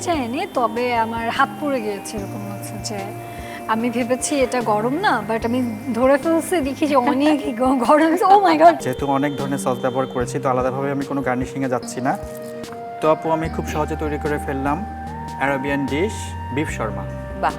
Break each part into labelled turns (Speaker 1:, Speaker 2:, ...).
Speaker 1: যায়নি, তবে আমার হাত পুড়ে গিয়েছে। এরকম হচ্ছে যে আমি ভেবেছি এটা গরম না, বাট আমি ধরে ফেলছি, দেখি যে অনেক গরম। Oh my God!
Speaker 2: যেহেতু অনেক ধরনের সস ব্যবহার করেছি, তো আলাদাভাবে আমি কোনো গার্নিশিংয়ে যাচ্ছি না। তো আপু, আমি খুব সহজে তৈরি করে ফেললাম অ্যারাবিয়ান ডিশ বিফ শর্মা।
Speaker 3: বাহ,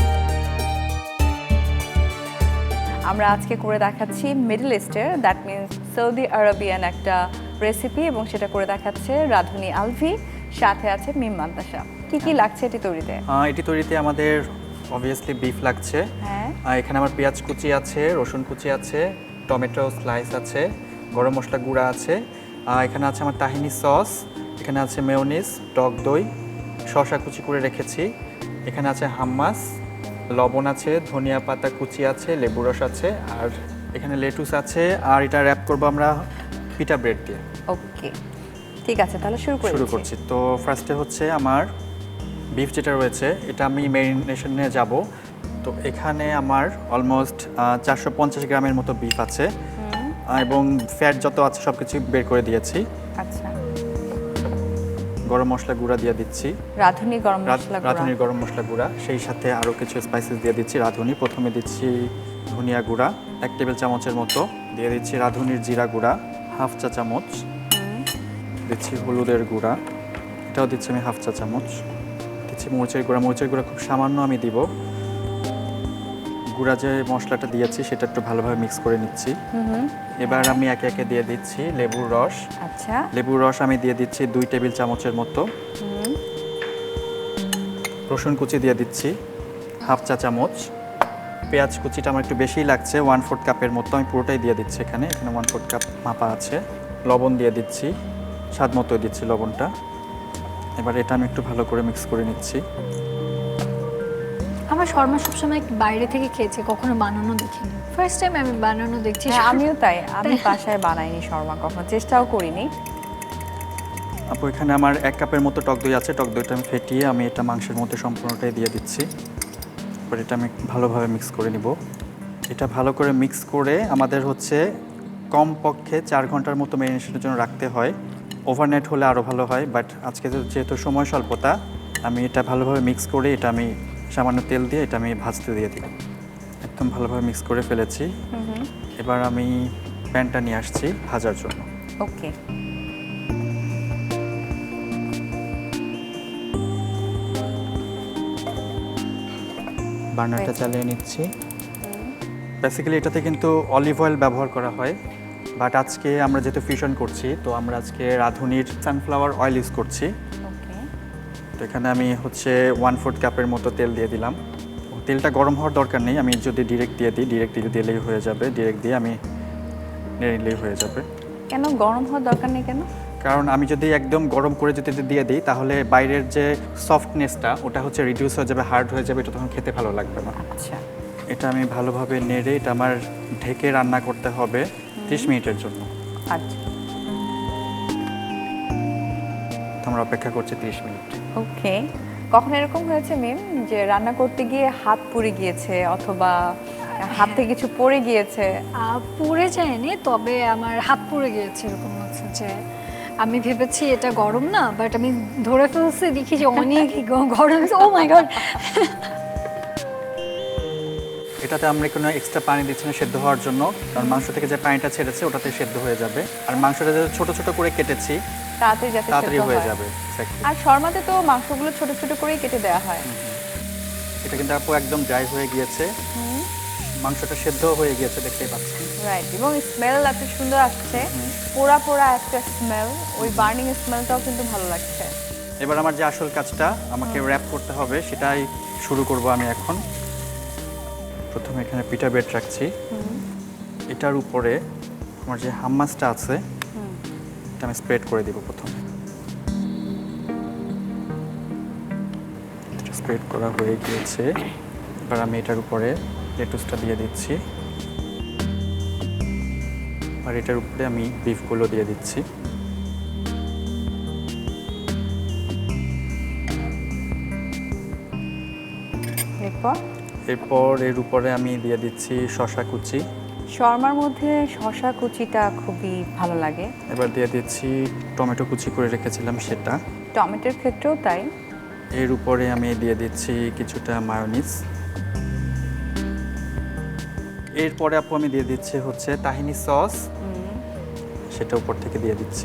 Speaker 3: আমরা আজকে করে দেখাচ্ছি মিডল ইস্টের, দ্যাট মিনস সৌদি আরবিয়ান একটা রেসিপি, এবং সেটা করে দেখাচ্ছে রাধুনী আলভি, সাথে আছে মিম মান্তাসা। কি কি লাগছে এটি তৈরিতে?
Speaker 2: এটি তৈরিতে আমাদের অবভিয়াসলি বিফ লাগছে।
Speaker 3: হ্যাঁ,
Speaker 2: এখানে আমার পেঁয়াজ কুচি আছে, রসুন কুচি আছে, টমেটো স্লাইস আছে, গরম মশলা গুঁড়া আছে, এখানে আছে আমার তাহিনি সস, এখানে আছে মেয়োনিজ, টক দই, শসা কুচি করে রেখেছি, এখানে আছে হাম্মাস, লবণ আছে, ধনিয়া পাতা কুচি আছে, লেবু রস আছে, আর এখানে লেটুস আছে। আর এটা র্যাপ করবো আমরা পিটা ব্রেড দিয়ে।
Speaker 3: ওকে, ঠিক আছে, তাহলে শুরু
Speaker 2: করছি। তো ফার্স্টে হচ্ছে আমার বিফ যেটা রয়েছে, এটা আমি ম্যারিনেশনে যাব। তো এখানে আমার অলমোস্ট 450 গ্রামের মতো বিফ আছে, এবং ফ্যাট যত আছে সব কিছু বের করে দিয়েছি।
Speaker 3: আচ্ছা,
Speaker 2: গরম মশলা গুঁড়া দিয়ে দিচ্ছি,
Speaker 3: রাঁধুনি গরম মশলা গুঁড়া।
Speaker 2: রাঁধুনির গরম মশলা গুঁড়া, সেই সাথে আরও কিছু স্পাইসেস দিয়ে দিচ্ছি। রাঁধুনি প্রথমে দিচ্ছি ধনিয়া গুঁড়া 1 টেবিল চামচের মতো, দিয়ে দিচ্ছি রাঁধুনির জিরা গুঁড়া হাফ চা চামচ, দিচ্ছি হলুদের গুঁড়া, এটাও দিচ্ছি আমি হাফ চা চামচ, দিচ্ছি মরিচের গুঁড়া খুব সামান্য আমি দিব। গুঁড়া যে মশলাটা দিয়েছি সেটা একটু ভালোভাবে মিক্স করে নিচ্ছি। এবার আমি একে একে দিয়ে দিচ্ছি লেবুর রস।
Speaker 3: আচ্ছা,
Speaker 2: লেবুর রস আমি দিয়ে দিচ্ছি 2 টেবিল চামচের মতো। রসুন কুচি দিয়ে দিচ্ছি হাফ চা চামচ। পেঁয়াজ কুচিটা আমার একটু বেশিই লাগছে, 1/4 কাপের মতো, আমি পুরোটাই দিয়ে দিচ্ছি। এখানে 1/4 কাপ মাপা আছে। লবণ দিয়ে দিচ্ছি, স্বাদ মতো দিচ্ছি লবণটা। এবার এটা আমি একটু ভালো করে মিক্স করে নিচ্ছি।
Speaker 1: আমার শর্মা সবসময় বাইরে থেকে খেয়েছে, কখনো বানানো দেখিনি। ফার্স্ট টাইম আমি বানানো দেখছি।
Speaker 3: হ্যাঁ, আমিও তাই, আমি বাসায় বানাইনি শর্মা, কখনো চেষ্টাও করিনি।
Speaker 2: আপু, এখানে আমার 1 কাপের মতো টক দই আছে। টক দইটা আমি ফেটিয়ে আমি এটা মাংসের মধ্যে সম্পূর্ণটাই দিয়ে দিচ্ছি। এবার এটা আমি ভালোভাবে মিক্স করে নিব। এটা ভালো করে মিক্স করে আমাদের হচ্ছে কমপক্ষে 4 ঘন্টার মতো ম্যারিনেশনের জন্য রাখতে হয়। ওভারনাইট হলে আরও ভালো হয়, বাট আজকে যেহেতু সময় স্বল্পতা, আমি এটা ভালোভাবে মিক্স করে এটা আমি সামান্য তেল দিয়ে এটা আমি ভাজতে দিয়ে দিব। একদম ভালোভাবে মিক্স করে ফেলেছি। এবার আমি প্যানটা নিয়ে আসছি ভাজার জন্য।
Speaker 3: ওকে,
Speaker 2: বার্নারটা চালিয়ে নিচ্ছি। বেসিক্যালি এটাতে কিন্তু অলিভ অয়েল ব্যবহার করা হয়, বাট আজকে আমরা যেহেতু ফিউশন করছি, তো আমরা আজকে রাঁধুনির সানফ্লাওয়ার অয়েল ইউজ করছি।
Speaker 3: ওকে,
Speaker 2: তো এখানে আমি হচ্ছে 1/4 কাপের মতো তেল দিয়ে দিলাম। তেলটা গরম হওয়ার দরকার নেই, আমি যদি ডিরেক্ট দিয়ে দিই, ডিরেক্ট দিলেই হয়ে যাবে। ডিরেক্ট দিয়ে আমি নেড়ে নিলেই হয়ে যাবে।
Speaker 3: কেন গরম হওয়ার দরকার নেই কেন?
Speaker 2: কারণ আমি যদি একদম গরম করে যদি দিয়ে দিই, তাহলে বাইরের যে সফটনেসটা ওটা হচ্ছে রিডিউস হয়ে যাবে, হার্ড হয়ে যাবে, এটা তখন খেতে ভালো লাগবে না।
Speaker 3: আচ্ছা,
Speaker 2: এটা আমি ভালোভাবে নেড়ে এটা আমার ঢেকে রান্না করতে হবে 30 মিনিটের জন্য।
Speaker 3: আচ্ছা,
Speaker 2: তো আমরা অপেক্ষা করছি 30 মিনিট।
Speaker 3: ওকে। কখন এরকম হয়েছে মিম যে রান্না করতে গিয়ে হাত পুড়ে গিয়েছে, অথবা হাতে কিছু পড়ে গিয়েছে?
Speaker 1: পুড়ে যায়নি, তবে আমার হাত পুড়ে গিয়েছে। এরকম হচ্ছে যে আমি ভেবেছি এটা গরম না, বাট আমি ধরে ফেলছি, দেখি যে অনেক গরম। Oh my God!
Speaker 2: এটাতে আমরা কোনো এক্সট্রা পানি দিচ্ছি না সেদ্ধ হওয়ার জন্য, কারণ মাংস থেকে যে পানিটা ছেড়েছে ওটাতে সেদ্ধ হয়ে যাবে। আর মাংসটা যে ছোট ছোট করে কেটেছি,
Speaker 3: তাড়াতাড়ি যাতে
Speaker 2: তাড়াতাড়ি
Speaker 3: সেদ্ধ
Speaker 2: হয়ে
Speaker 3: হয়।
Speaker 2: যাবে। Exactly.
Speaker 3: আর শর্মাতে তো মাংসগুলো ছোট ছোট করেই কেটে দেওয়া হয়।
Speaker 2: এটা কিন্তু আপু একদম ড্রাই হয়ে গিয়েছে, মাংসটা সেদ্ধ হয়ে গিয়েছে, দেখতেই পাচ্ছি।
Speaker 3: রাইট, এবং স্মেল এত সুন্দর আসছে, পোড়া পোড়া একটা স্মেল, ওই বার্নিং স্মেলটাও কিন্তু ভালো লাগছে।
Speaker 2: এবার আমার যে আসল কাজটা আমাকে র্যাপ করতে হবে, সেটাই শুরু করব আমি এখন। প্রথমে এখানে পিঠা বেড রাখছি, এটার উপরে আমার যে হাম্মাসটা আছে এটা আমি স্প্রেড করে দিব। প্রথমে স্প্রেড করা হয়ে গিয়েছে, এবার আমি এটার উপরে লেটুসটা দিয়ে দিচ্ছি, আর এটার উপরে আমি বিফগুলো দিয়ে দিচ্ছি। এরপর এর উপরে আমি দিয়ে দিচ্ছি শসা কুচি।
Speaker 3: শর্মার মধ্যে শসা কুচিটা খুবই ভালো লাগে।
Speaker 2: এবার দিয়ে দিচ্ছি টমেটো কুচি করে রেখেছিলাম সেটা।
Speaker 3: টমেটোর ক্ষেত্রেও তাই।
Speaker 2: এর উপরে আমি দিয়ে দিচ্ছি কিছুটা মায়োনিজ। এরপরে আপু আমি দিয়ে দিচ্ছি হচ্ছে তাহিনি সস, সেটা উপর থেকে দিয়ে দিচ্ছি।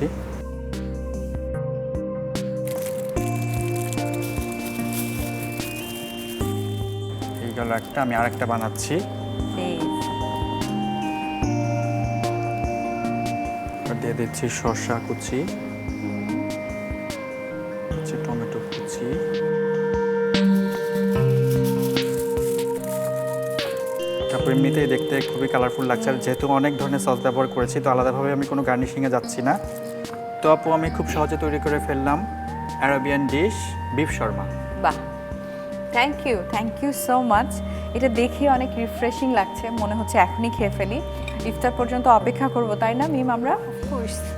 Speaker 2: এই গেল একটা, আমি আরেকটা বানাচ্ছি। আর দিয়ে দিচ্ছি শসা কুচি, টমেটো কুচি, তারপর এমনিতেই দেখতে খুবই কালারফুল লাগছে। আর যেহেতু অনেক ধরনের সস ব্যবহার করেছি, তো আলাদাভাবে আমি কোনো গার্নিশিংয়ে যাচ্ছি না। তো আপু আমি খুব সহজে তৈরি করে ফেললাম আরাবিয়ান ডিশ বিফ শর্মা।
Speaker 3: বাহ, থ্যাংক ইউ সো মাচ। এটা দেখে অনেক রিফ্রেশিং লাগছে, মনে হচ্ছে এখনই খেয়ে ফেলি। ইফতার পর্যন্ত অপেক্ষা করব, তাই না মিম আমরা?
Speaker 1: কোর্স